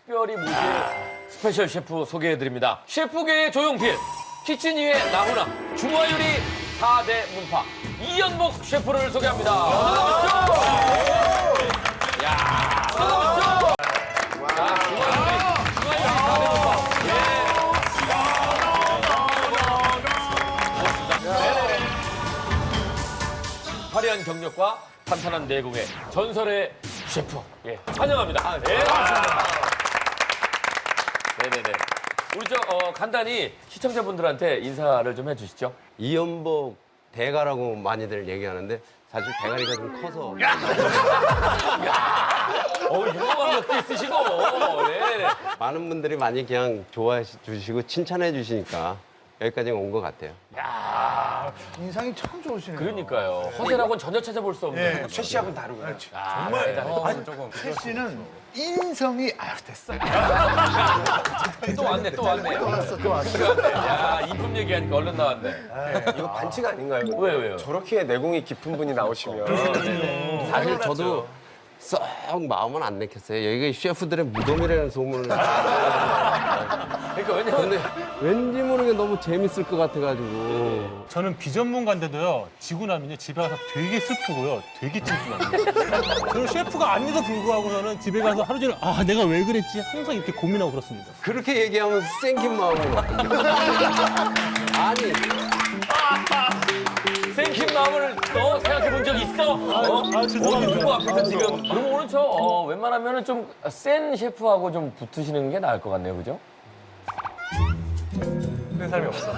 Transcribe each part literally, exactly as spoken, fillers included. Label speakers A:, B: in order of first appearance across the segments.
A: 특별히 모실 스페셜 셰프 소개해드립니다. 셰프계의 조용필, 키친이의 나훈아, 중화요리 사 대 문파 이연복 셰프를 소개합니다. 어서 오십시오. 야, 어서 오십시오. 자, 중화요리, 중화요리 사 대 문파. 예. 화려한 경력과 탄탄한 내공의 전설의 셰프. 예, 환영합니다. 네, 반갑습니다. 네네네. 우리 저 어, 간단히 시청자분들한테 인사를 좀 해주시죠.
B: 이연복 대가라고 많이들 얘기하는데 사실 대가리가 좀 커서
A: 어, 유명한 것도 있으시고. 네네.
B: 많은 분들이 많이 그냥 좋아해 주시고 칭찬해 주시니까 여기까지 온 것 같아요.
A: 야,
C: 인상이 참 좋으시네요.
A: 그러니까요. 허세라고는 전혀 찾아볼 수 없는.
C: 네.
D: 최 씨하고는 다르고요.
A: 아, 정말 대단해.
D: 조금.
C: 최 씨는 인성이 아유 됐어.
A: 또 왔네, 또 왔네.
C: 또 왔어, 또 왔어.
A: 야, 이품 얘기하니까 얼른 나왔네.
D: 이거 반칙 아닌가요?
A: 왜, 왜요?
D: 저렇게 내공이 깊은 분이 나오시면.
B: 사실 저도 썩 마음은 안 내켰어요. 여기가 셰프들의 무덤이라는 소문을.
A: 그러니까 왜냐면
B: 근데 왠지 모르게 너무 재밌을 것 같아가지고.
E: 저는 비전문가인데도요, 지고 나면요, 집에 가서 되게 슬프고요, 되게 찜찜합니다. 저는 셰프가 아닌데도 불구하고 저는 집에 가서 하루 종일, 아, 내가 왜 그랬지? 항상 이렇게 고민하고 그렇습니다.
B: 그렇게 얘기하면 생긴 마음으로. 아니.
A: 생긴 마음을 너 생각해 본 적 있어? 어?
E: 아, 죄송합니다.
A: 어디 누구 앞에서 지금. 그럼 오늘 저 어, 웬만하면 좀 센 셰프하고 좀 붙으시는 게 나을 것 같네요, 그죠?
D: 그런 사람이 없어.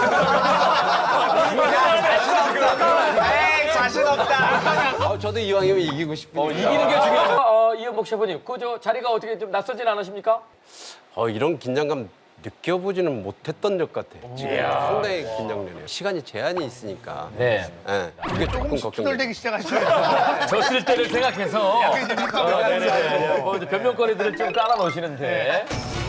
C: 에이 자신 없다.
B: 아, 저도 이왕이면 이기고 싶으니까.
A: 어, 이기는 게 중요하죠. 어, 이현복 셰프님, 그 저 자리가 어떻게 좀 낯설진 않으십니까?
B: 어, 이런 긴장감 느껴보지는 못했던 적 같아요. 지금 상당히 긴장되네요. 시간이 제한이 있으니까.
A: 네.
B: 예, 그게 조금 걱정돼요.
C: 투덜대기 시작하시네요.
A: 졌을 때를 생각해서 어, 네네네. 뭐 이제 변명거리들을 좀 깔아 놓으시는데.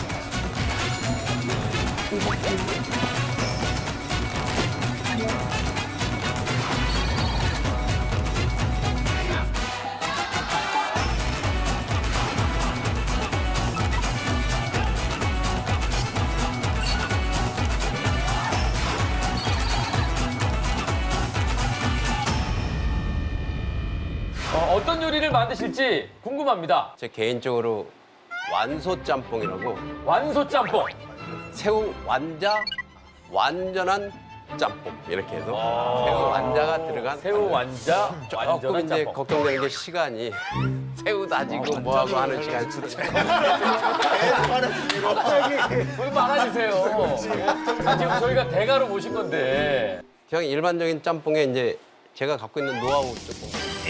A: 어, 어떤 요리를 만드실지 궁금합니다.
B: 제 개인적으로 완소 짬뽕이라고
A: 완소 짬뽕.
B: 새우 완자 완전한 짬뽕 이렇게 해서 새우 완자가 들어간
A: 새우 완자,
B: 조금
A: 완전한
B: 이제
A: 짬뽕.
B: 걱정되는 게 시간이 새우 다지고 뭐하고 하는 시간이
A: 왜 말아주세요. 아, 지금 저희가 대가로 모신 건데.
B: 그냥 일반적인 짬뽕에 이제 제가 갖고 있는 노하우 조금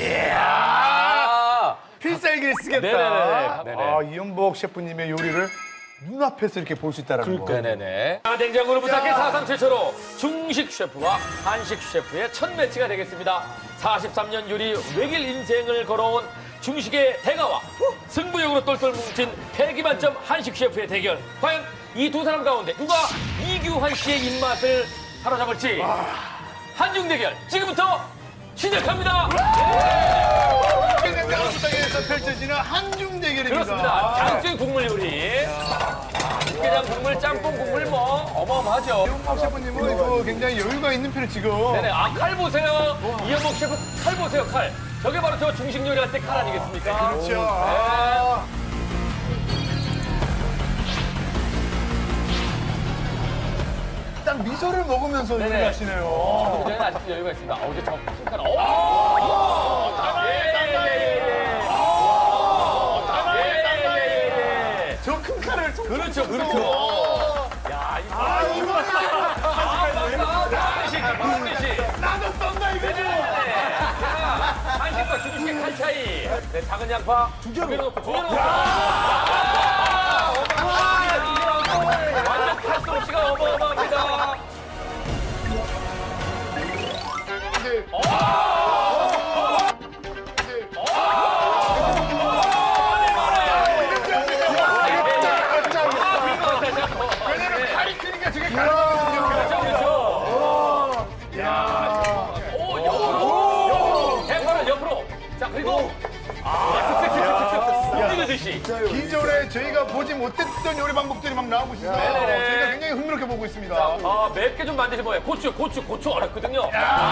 A: 아,
C: 필살기를 쓰겠다.
A: 네네네. 네네.
C: 아 이연복 셰프님의 요리를 눈앞에서 이렇게 볼 수 있다는 거.
A: 네네네. 아, 냉장고를 부탁해 사상 최초로 중식 셰프와 한식 셰프의 첫 매치가 되겠습니다. 사십삼 년 요리 외길 인생을 걸어온 중식의 대가와 승부욕으로 똘똘 뭉친 패기 만점 한식 셰프의 대결. 과연 이 두 사람 가운데 누가 이규환 씨의 입맛을 사로잡을지. 한중 대결 지금부터 시작합니다.
C: 냉장고 부탁에서 펼쳐지는 한중 대결입니다.
A: 그렇습니다. 자극적인 국물 요리. 육개장 국물, 짬뽕 국물 뭐 어마어마하죠.
C: 이연복 셰프님은 이거 굉장히 여유가 있는 편이 지금.
A: 네네. 아, 칼 보세요. 이현복 셰프 칼 보세요, 칼. 저게 바로 저 중식 요리 할 때 칼 아니겠습니까?
C: 그렇죠.
A: 네.
C: 아. 딱 미소를 먹으면서
A: 네네.
C: 요리를 하시네요.
A: 저희는 아직도 여유가 있습니다. 어, 이제 저큰 칼. 오! 예예예예. 예예예예.
C: 저 큰 칼을
A: 그렇죠, 그렇죠. 야, 이거. 아, 이거. 아, 한식, 한식.
C: 나도 떤다 이거지.
A: 한식과 중식의 칼 차이. 네, 작은 양파 두 개로 넣고 두 개로 넣고. 완전 칼솜씨가 어마어마합니다.
C: 왜냐면 칼이 크니까 저게 가능하거든요.
A: 그렇죠, 그렇죠. 오, 옆으로, 옆으로, 대파는 옆으로. 자, 그리고 아, 슥슥슥슥슥슥 옮기듯이.
C: 기존 보지 못했던 요리 방법들이 막 나오고 있어서
A: 네네네.
C: 저희가 굉장히 흥미롭게 보고 있습니다.
A: 아, 맵게 좀 만드시 뭐예요? 고추, 고추, 고추 어렵거든요.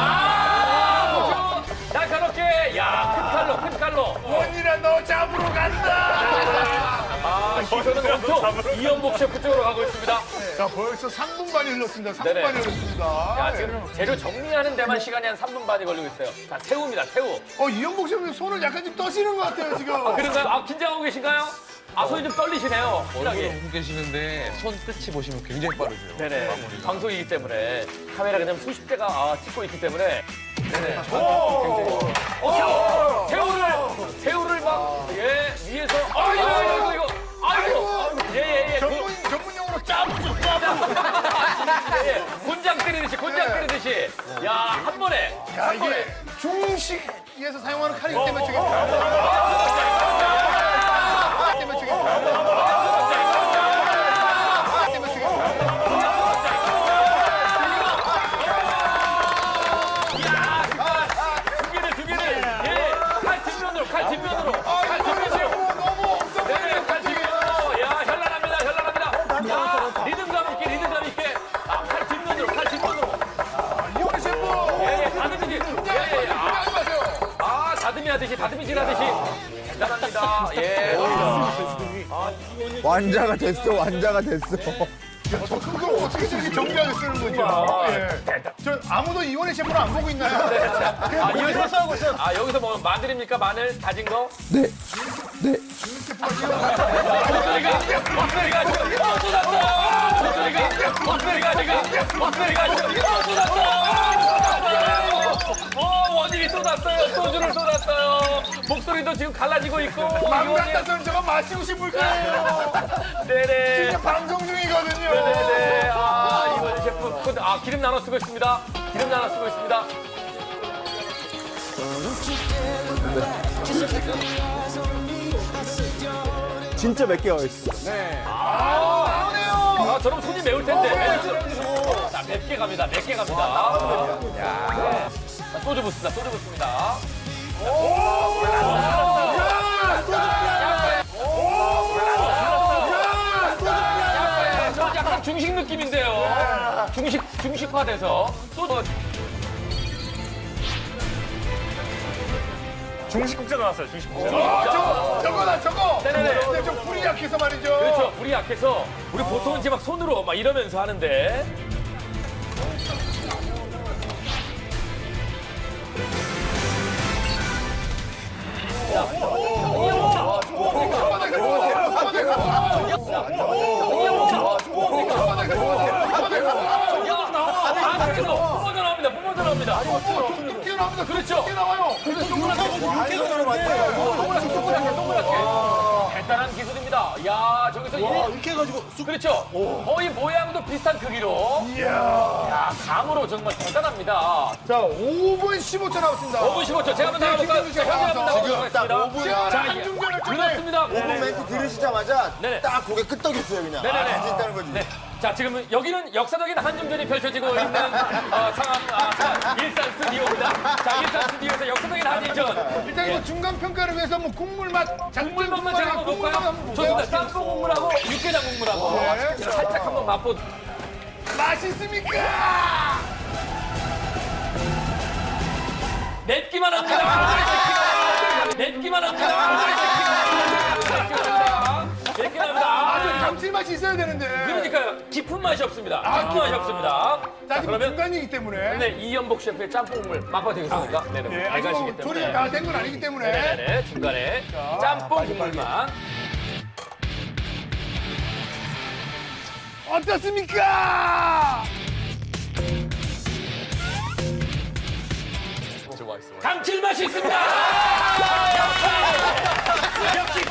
A: 아, 고추. 날카롭게. 야, 큰 칼로, 큰 칼로.
C: 원이라 너 잡으러 간다.
A: 아, 시선은 온통 이연복 셰프 쪽으로 가고 있습니다.
C: 자, 벌써 삼 분 반이 흘렀습니다. 삼 분
A: 네네.
C: 반이 흘렀습니다.
A: 야, 지금 재료 정리하는 데만 시간이 한 삼 분 반이 걸리고 있어요. 자, 새우입니다, 새우.
C: 어, 이영복 셰프님 손을 약간 좀 떠시는 것 같아요, 지금.
A: 그런가요? 아, 긴장하고 계신가요? 아, 손이 좀 떨리시네요.
F: 얼굴을
A: 확실하게.
F: 보고 계시는데 손 끝이 보시면 굉장히 빠르세요.
A: 네네. 방송이기 때문에 카메라 그냥 수십 대가 아, 찍고 있기 때문에. 네네. 어, 새우, 새우를, 새우를 막, 예, 위에서. 아, 이거, 이거, 이거, 이거. 아이고. 예, 예, 예.
C: 전문, 전문용어로 짜부죠, 짜부.
A: 예, 곤장 때리듯이, 곤장 때리듯이. 야, 한 번에.
C: 야,
A: 한 번에.
C: 이게 중식에서 사용하는 칼이기 때문에 저게. 때문에 저게. 때문에 저게.
A: 두 개를, 두 개를. 예, 칼 뒷면으로, 칼 뒷면으로. 칼 뒷면으로.
C: 너무 엄청
A: 네네, 칼 뒷면으로. 야, 현란합니다, 현란합니다. 야, 리듬감 있게, 리듬감 있게. 아, 칼 뒷면으로, 칼 뒷면으로.
C: 이영복 셰프.
A: 예, 예, 다듬이지. 예, 예, 아.
C: 하지 마세요.
A: 아, 다듬이 하듯이, 다듬이질 하듯이. 대단합니다. 예.
G: 완자가 됐어, 완자가 됐어.
C: 저 큰 걸 어떻게 저렇게 정교하게 쓰는 거죠? 예. 저 아무도 이원희 셰프를 안 보고 있나요?
A: 아, 여기서 하고 있어요. 아, 여기서 뭐 마늘입니까? 마늘 다진 거?
G: 네, 네.
A: 목소리가, 목소리가 지금 어, 쏟았어! 목소리가, 목소리가 지금, 목소리가 지금 어, 쏟았어! 어, 원인이 쏟았어요. 소주를 쏟았어요. 목소리도 지금 갈라지고 있고.
C: 맘
A: 이원희-
C: 같아서는 저거 마시고 싶을 거예요.
A: 네네.
C: 진짜 방송 중이거든요.
A: 네네. 아, 이원희 셰프. 근데, 아, 기름 나눠 쓰고 있습니다. 기름 나눠 쓰고 있습니다.
G: 진짜 몇 개가 있어.
A: 아, 저럼 손이 매울 텐데. 자, 맵게 갑니다. 맵게 갑니다. 야. 자, 소주 붓습니다. 소주 붓습니다. 저 약간 중식 느낌인데요. 중식, 중식화돼서. 소주.
D: 중식국자 나왔어요, 중식국자.
C: 아, 저거, 저거다, 저거.
A: 네네네.
C: 근데 좀 불이 약해서 말이죠.
A: 그렇죠. 불이 약해서. 우리 보통은 이제 막 손으로 막 이러면서 하는데. 아, 저기서 뿜어져 나옵니다. 뿜어져 나옵니다.
C: 뚝뚝 튀어나옵니다.
A: 그렇죠.
C: 튀어나와요. 근데 동그랗게
A: 동그랗게, 동그랗게. 대단한 기술입니다. 야, 저기서
E: 이렇게 해가지고 쑥
A: 그렇죠. 거의 모양도 비슷한 크기로.
C: 이야.
A: 야, 감으로 정말 대단합니다.
C: 자, 오 분 십오 초 남았습니다.
A: 오 분 십오 초. 제가 한번 나가볼까요? 자, 현재 한번 나가보도록 하겠습니다.
C: 시원한
A: 자,
C: 한중전을 좀
A: 그렇습니다.
G: 오 분 멘트 들으시자마자
A: 네네.
G: 딱 고개 끄덕였어요, 그냥.
A: 네네네.
G: 아, 진짜는 거지.
A: 네. 자, 지금 여기는 역사적인 한중전이 펼쳐지고 있는 어, 상황, 아, 상황, 일산 스튜디오입니다. 자, 일산 스튜디오에서 역사적인 한일전.
C: 일단 이거 중간 평가를 위해서 뭐 국물 맛,
A: 국물 맛만 제가 한번
C: 국물 맛
A: 볼까요?
C: 한번
A: 좋습니다.
C: 볼까요?
A: 짬뽕 국물하고 육개장 국물하고
C: 네.
A: 살짝 한번 맛보.
C: 맛있습니까?
A: 맵기만 합니다. 맵기만 합니다. 맵기만 합니다.
C: 아주 감칠맛이 있어야 되는데.
A: 그러니까요. 깊은 맛이 없습니다. 깊은 맛이 없습니다.
C: 자,
A: 자,
C: 지금
A: 그러면
C: 중간이기 때문에.
A: 네, 이연복 셰프의 짬뽕 국물 맛봐도 되겠습니까? 네네.
C: 예, 아직 뭐
A: 대가시기
C: 조리가
A: 때문에.
C: 다 된 건 아니기 때문에.
A: 네네. 중간에 짬뽕 국물만.
C: 어떻습니까?
F: 진짜 맛있어요.
A: 감칠맛이 있습니다. 역시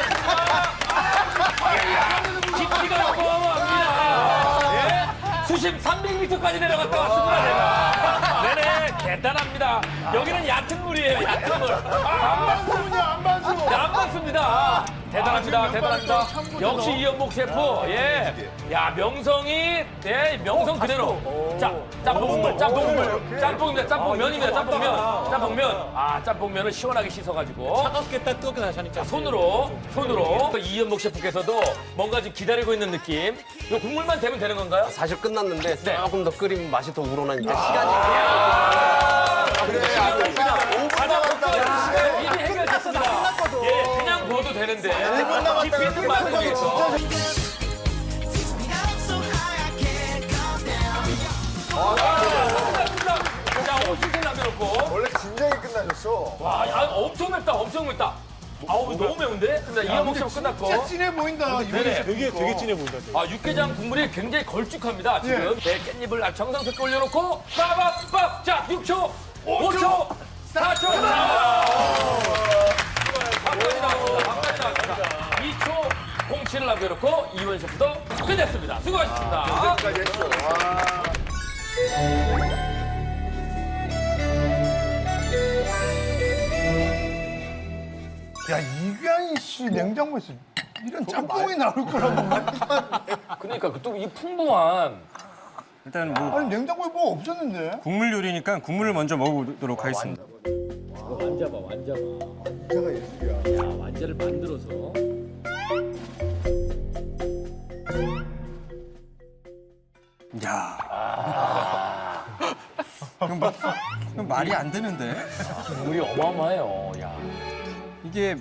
A: 대가였습니다. 깊이가 어마어마합니다. 예? 수심 삼백 미터까지 내려갔다 왔습니다. 내가. 네네, 대단합니다. 여기는 얕은 물이에요, 얕은 물.
C: 안반수냐, 안반수.
A: 네, 안 맞습니다. 대단합니다. 대단합니다. 역시 이연복 셰프. 예. 야, 명성이, 예, 명성 그대로. 자, 짬뽕 국물, 짬뽕 국물. 짬뽕입니다. 짬뽕 면입니다. 짬뽕면. 짬뽕면. 아, 짬뽕면을 시원하게 씻어가지고.
E: 차갑겠다 뜨겁게 다시 하니까.
A: 손으로, 손으로. 또 이연복 셰프께서도 뭔가 지금 기다리고 있는 느낌. 이 국물만 되면 되는 건가요?
B: 사실 끝났는데
A: 네.
B: 조금 더 끓이면 맛이 더 우러나니까 시간이
A: 이미 해결됐습니다. 예, 그냥 부어도 되는데. 깊이 있는 맛을 위해서. 자, 오십분 남겨놓고.
G: 원래 진작에 끝나셨어.
A: 와, 야, 엄청 맵다, 엄청 맵다. 아우, 너무 매운데? 이연복 셰프 끝났고.
C: 진짜 진해 보인다. 이번에
A: 네네.
E: 되게 되게 진해 보인다.
A: 아, 육개장 국물이 굉장히 걸쭉합니다, 지금. 네, 깻잎을 아주 정성스럽게 올려놓고, 빠밥밥! 자, 육 초, 오 초, 사 초, 밥까지 나왔습니다, 밥까지 나왔습니다. 이 초, 공치를 남겨놓고, 이원 셰프도 끝냈습니다. 수고하셨습니다.
G: 끝까지 했어. 와.
C: 야, 이규환 씨 냉장고에서 이런 짬뽕이 나올 거라고.
A: 그러니까 또 이 풍부한.
D: 일단 뭐
C: 아니, 냉장고에 뭐 없었는데?
D: 국물 요리니까 국물을 먼저 먹어보도록 하겠습니다.
A: 완자봐, 완자봐.
G: 완자가 예술이야.
A: 야, 완자를 만들어서.
D: 야. 이건 뭐, 이건 말이 안 되는데.
A: 국물이 어마어마해요, 야.
D: 이게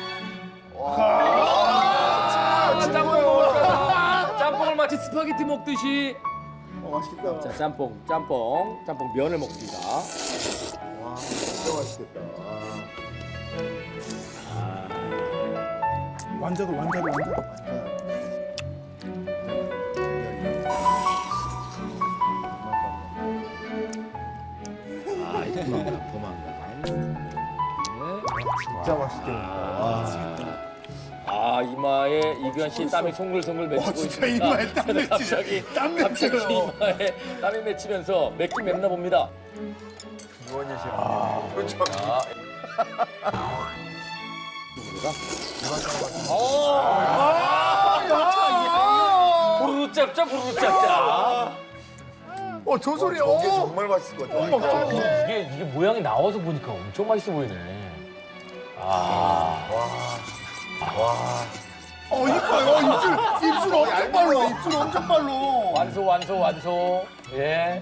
A: 짬뽕을 먹을까? 짬뽕을 마치 스파게티 먹듯이.
G: 어, 맛있겠다.
A: 자, 짬뽕, 짬뽕, 짬뽕 면을 먹습니다.
G: 와, 진짜 맛있겠다.
C: 완자도, 완자도, 완자도.
A: 아, 이 도망가, 도망가.
G: 진짜 맛있겠다.
A: 아, 이마에 이규환 씨 땀이 송글송글 맺히고
C: 와, 진짜
A: 있습니다.
C: 이마에 땀
A: 저는
C: 맺히네.
A: 갑자기,
C: 땀
A: 갑자기
C: 맺혀요.
A: 이마에 땀이 맺히면서 맵긴 맵나 봅니다.
G: 이원희 셰프. 그렇죠.
A: 부르르 짭짜, 부르르 짭짜.
C: 어, 저 소리,
G: 저게
C: 어.
G: 정말 맛있을 것 같아.
A: 이게, 이게 모양이 나와서 보니까 엄청 맛있어 보이네. 아.
C: 어, 이뻐요. 어, 입술, 입술 엄청 빨라. 입술 엄청 빨라.
A: 완소, 완소, 완소. 예.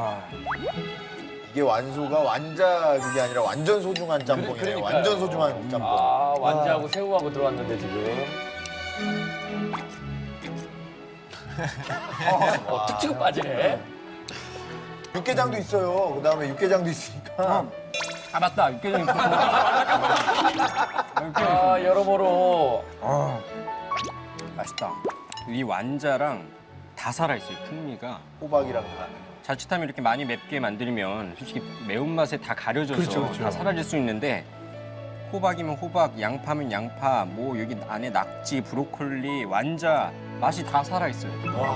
G: 이게 완소가 완자 그게 아니라 완전 소중한 짬뽕이네.
A: 그러니까요.
G: 완전 소중한 짬뽕.
A: 아, 완자하고 새우하고 들어왔는데, 지금. 어, 툭 치고 빠지네.
G: 육개장도 있어요. 그 다음에 육개장도 있으니까.
D: 아 맞다 육개장 있고.
A: 아, 여러모로.
D: 맛있다. 이 완자랑 다 살아있어요 풍미가.
G: 호박이랑 다.
D: 자칫하면 이렇게 많이 맵게 만들면 솔직히 매운맛에 다 가려져서 다 사라질 수 있는데 호박이면 호박, 양파면 양파, 뭐 여기 안에 낙지, 브로콜리, 완자 맛이 다 살아있어요.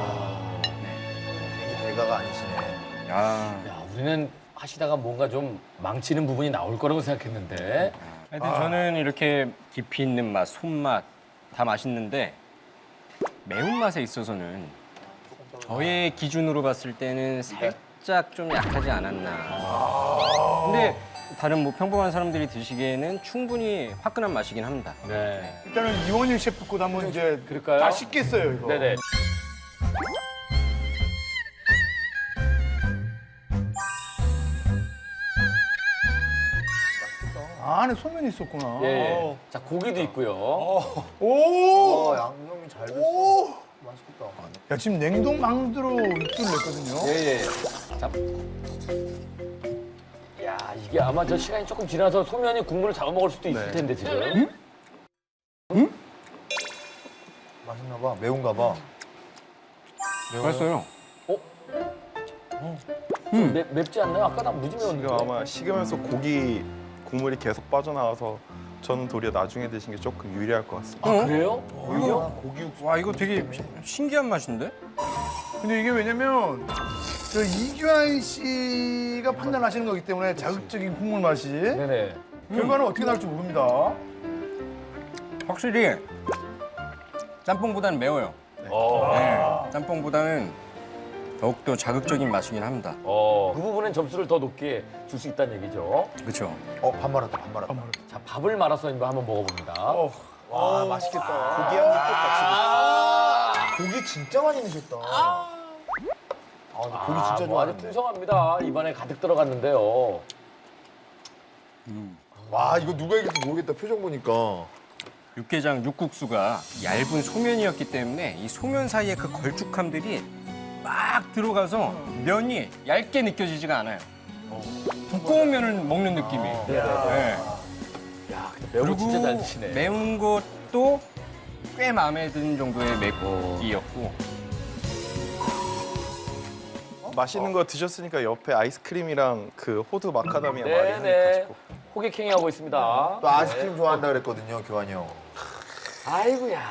G: 이게 대가가 아니시네.
D: 야.
A: 야, 우리는 하시다가 뭔가 좀 망치는 부분이 나올 거라고 생각했는데.
D: 하여튼 저는 이렇게 깊이 있는 맛, 손맛 다 맛있는데 매운맛에 있어서는 저의 기준으로 봤을 때는 살짝 좀 약하지 않았나. 근데 다른 뭐 평범한 사람들이 드시기에는 충분히 화끈한 맛이긴 합니다.
A: 네.
C: 일단은 이원희 셰프 거 한번 이제
A: 그럴까요?
C: 다 씻겠어요, 이거.
A: 네네.
C: 아, 안에 소면이 있었구나.
A: 예, 예. 자, 고기도 있고요.
C: 오!
G: 어, 양념이 잘 됐어.
C: 오!
G: 맛있겠다.
C: 야, 지금 냉동망두로 육수를 냈거든요.
A: 예, 예. 자. 야, 이게 아마 저 시간이 조금 지나서 소면이 국물을 잡아먹을 수도 있을 텐데, 지금.
G: 맛있나 봐. 매운가 봐.
D: 맛있어요.
A: 좀 맵, 맵지 않나요? 아까 나 무지 매웠는데.
H: 이거 아마 식으면서 고기 국물이 계속 빠져나와서 저는 도리어 나중에 드신 게 조금 유리할 것 같습니다.
A: 아, 그래요?
D: 이거 와 이거 되게 신기한 맛인데?
C: 근데 이게 왜냐면 저 이규환 씨가 판단하시는 거기 때문에 자극적인 국물 맛이
A: 네네.
C: 결과는 어떻게 나올지 모릅니다.
D: 확실히 짬뽕보다는 매워요.
A: 어,
D: 네, 짬뽕보다는 더욱더 자극적인 맛이긴 합니다.
A: 어, 그 부분엔 점수를 더 높게 줄 수 있다는 얘기죠.
D: 그렇죠.
G: 어, 반 말았다, 반 말았다.
A: 자, 밥을 말아서 한번 먹어봅니다.
G: 와, 맛있겠다. 고기 향이 또 같이.
A: 아,
G: 고기 진짜 많이 넣으셨다. 아, 근데 고기 진짜
A: 뭐 아주
G: 좋아하는데.
A: 풍성합니다. 입안에 가득 들어갔는데요.
G: 와, 이거 누가 이길지 모르겠다, 표정 보니까.
D: 육개장 육국수가 얇은 소면이었기 때문에 이 소면 사이에 그 걸쭉함들이 막 들어가서 면이 얇게 느껴지지가 않아요. 두꺼운 면을 먹는 느낌이. 네.
A: 야, 근데 매운 거 진짜 잘 드시네.
D: 매운 것도 꽤 마음에 드는 정도의 맵기였고.
H: 맛있는 거 드셨으니까 옆에 아이스크림이랑 그 호두 마카다미아 마리 한입
A: 네네.
H: 가지고.
A: 호객행위 하고 있습니다.
G: 또 아이스크림 좋아한다 그랬거든요, 교환이 형.
A: 아이고야.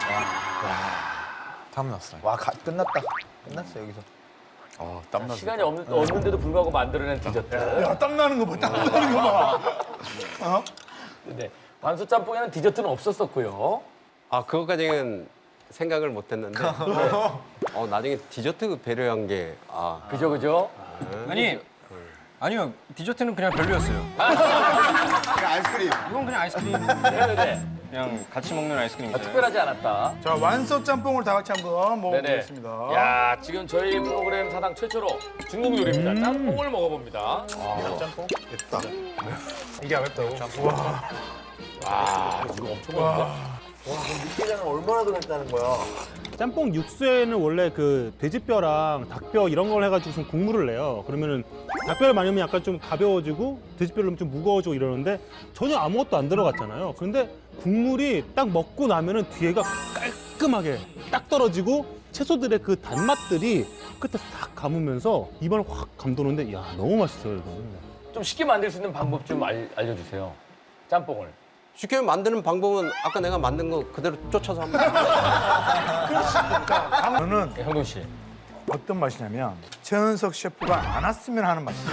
F: 땀 났어요.
G: 와, 가, 끝났다. 끝났어, 여기서.
F: 어, 땀 났어요.
A: 시간이 없는, 없는데도 불구하고 만들어낸 디저트.
C: 야, 땀 나는 거 봐, 땀 나는 거 봐. 어?
A: 네. 완소 짬뽕에는 디저트는 없었었고요.
B: 아 그것까지는 생각을 못했는데 어, 나중에 디저트 배려한 게 아,
A: 그죠, 그죠?
D: 아니, 아니요. 디저트는 그냥 별로였어요.
G: 그냥 아이스크림.
D: 이건 그냥 아이스크림.
A: 네네네.
D: 그냥 같이 먹는
A: 아,
D: 아이스크림이잖아요.
A: 특별하지 않았다.
C: 자, 완소 짬뽕을 다 같이 한번
A: 네네.
C: 먹어보겠습니다.
A: 야, 지금 저희 프로그램 사상 최초로 중국 요리입니다. 짬뽕을 먹어봅니다.
G: 짬뽕? 됐다.
C: 이게 안 맵다고?
A: 아, 이거 엄청 맛있다.
G: 와, 그럼 육개장은 얼마나 더 맵다는 거야?
E: 짬뽕 육수에는 원래 그 돼지뼈랑 닭뼈 이런 걸 해가지고 좀 국물을 내요. 그러면은 닭뼈를 많이 넣으면 약간 좀 가벼워지고 돼지뼈를 넣으면 좀 무거워지고 이러는데 전혀 아무것도 안 들어갔잖아요. 그런데 국물이 딱 먹고 나면은 뒤에가 깔끔하게 딱 떨어지고 채소들의 그 단맛들이 끝에 싹 감으면서 입안을 확 감도는데 야 너무 맛있어요 이거.
A: 좀 쉽게 만들 수 있는 방법 좀 알, 알려주세요. 짬뽕을.
B: 쉽게 만드는 방법은 아까 내가 만든 거 그대로 쫓아서 하면 돼요.
C: 저는
A: 네, 형동 씨.
C: 어떤 맛이냐면 최은석 셰프가 안 왔으면 하는 맛이에요.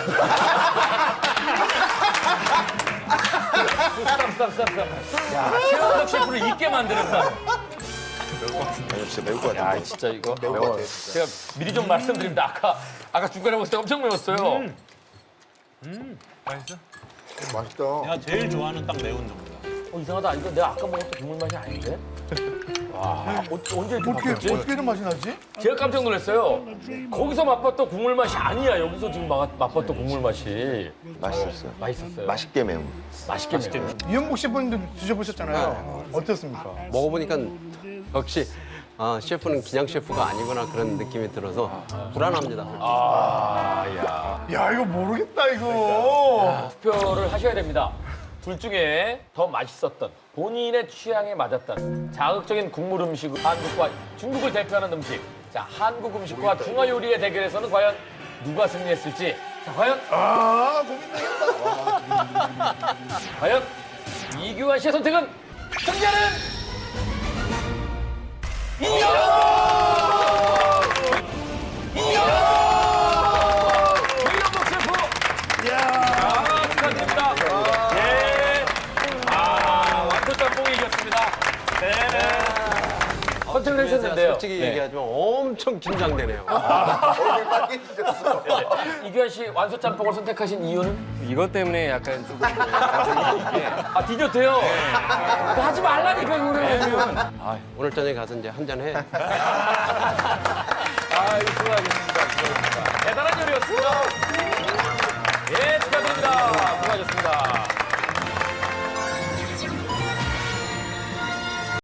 A: 스탑, 스탑, 스탑, 스탑. 야, 최원석 셰프를 잊게 만드는다.
G: 아니, 진짜 매울 것 같아.
A: 야, 진짜 이거
G: 매울 것 같아.
A: 제가 미리 좀 말씀드립니다. 아까 아까 중간에 먹을 때 엄청 매웠어요.
E: 맛있어?
G: 맛있다.
E: 내가 제일 좋아하는 딱 매운 정도.
A: 어, 이상하다. 이거 내가 아까 먹었던 국물 맛이 아닌데? 와, 어, 언제 이렇게
C: 어떻게,
A: 바뀌었지?
C: 어떻게 이런 맛이 나지?
A: 제가 깜짝 놀랐어요. 거기서 맛봤던 국물 맛이 아니야. 여기서 지금 맛, 맛봤던 국물 맛이.
G: 맛있었어요.
A: 맛있었어요.
G: 맛있게 매운.
A: 맛있게 매워요.
C: 이현복 셰프님도 드셔보셨잖아요. 어떻습니까?
B: 먹어보니까 역시 아, 셰프는 그냥 셰프가 아니구나 그런 느낌이 들어서 불안합니다.
A: 아, 야.
C: 야, 이거 모르겠다, 이거.
A: 투표를 하셔야 됩니다. 둘 중에 더 맛있었던 본인의 취향에 맞았던 자극적인 국물 음식, 한국과 중국을 대표하는 음식. 자, 한국 음식과 중화 요리의 대결에서는 과연 누가 승리했을지. 자, 과연
C: 아, 고민되겠다.
A: 과연 이규환 씨의 선택은 승자는 이영! 이영! 이영복 셰프!
C: 이야.
A: 아, 축하드립니다. 예. 아, 완전 짬뽕이 이겼습니다. 네네. 선택을 해주셨는데요.
B: 솔직히
A: 네.
B: 얘기하지만 엄청 긴장되네요.
G: 얼굴 빨개지셨어.
A: 이규환 씨 완소 짬뽕을 선택하신 이유는?
D: 이것 때문에 약간 조금 감정이 이게
A: 아, 디저트요? 그거 하지 말라니까, 그러면.
B: 아, 오늘 저녁에 가서 이제 한잔 해.
A: 아유, 수고하셨습니다. 수고하셨습니다. 대단한 요리였습니다. 예, 축하드립니다. 수고하셨습니다.